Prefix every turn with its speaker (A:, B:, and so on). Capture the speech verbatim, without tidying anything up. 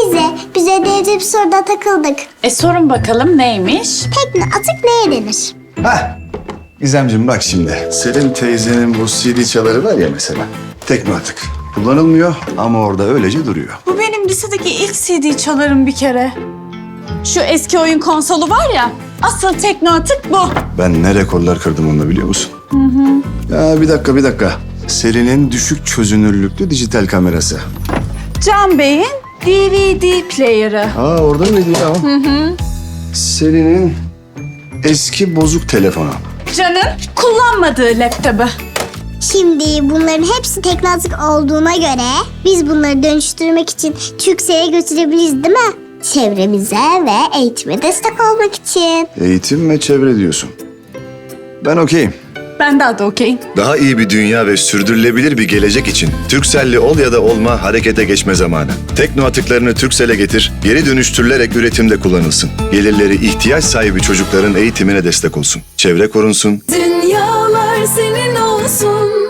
A: Teyze, biz ödevde bir soruda takıldık.
B: E sorun bakalım neymiş?
A: Tekne atık neye denir?
C: Hah. Gizemciğim bak şimdi. Selin teyzenin bu C D çaları var ya mesela. Tekno atık. Kullanılmıyor ama orada öylece duruyor.
B: Bu benim lisedeki ilk C D çalarım bir kere. Şu eski oyun konsolu var ya, asıl tekno atık bu.
C: Ben ne rekorlar kırdım onunla biliyor musun? Hı hı. Ya bir dakika bir dakika. Selin'in düşük çözünürlüklü dijital kamerası.
B: Can Bey'in D V D player'ı.
C: Aa orada mıydı ya? Hı hı. Selin'in eski bozuk telefonu.
B: Can'ın kullanmadığı laptopu.
A: Şimdi bunların hepsi tekne atık olduğuna göre biz bunları dönüştürmek için Türkcell'e götürebiliriz değil mi? Çevremize ve eğitime destek olmak için.
C: Eğitim ve çevre diyorsun. Ben okeyim.
B: Ben daha da okeyim.
D: Daha iyi bir dünya ve sürdürülebilir bir gelecek için Turkcell'li ol ya da olma harekete geçme zamanı. Tekno atıklarını Turkcell'e getir, geri dönüştürülerek üretimde kullanılsın. Gelirleri ihtiyaç sahibi çocukların eğitimine destek olsun. Çevre korunsun.
E: Dünyalar senin olsun.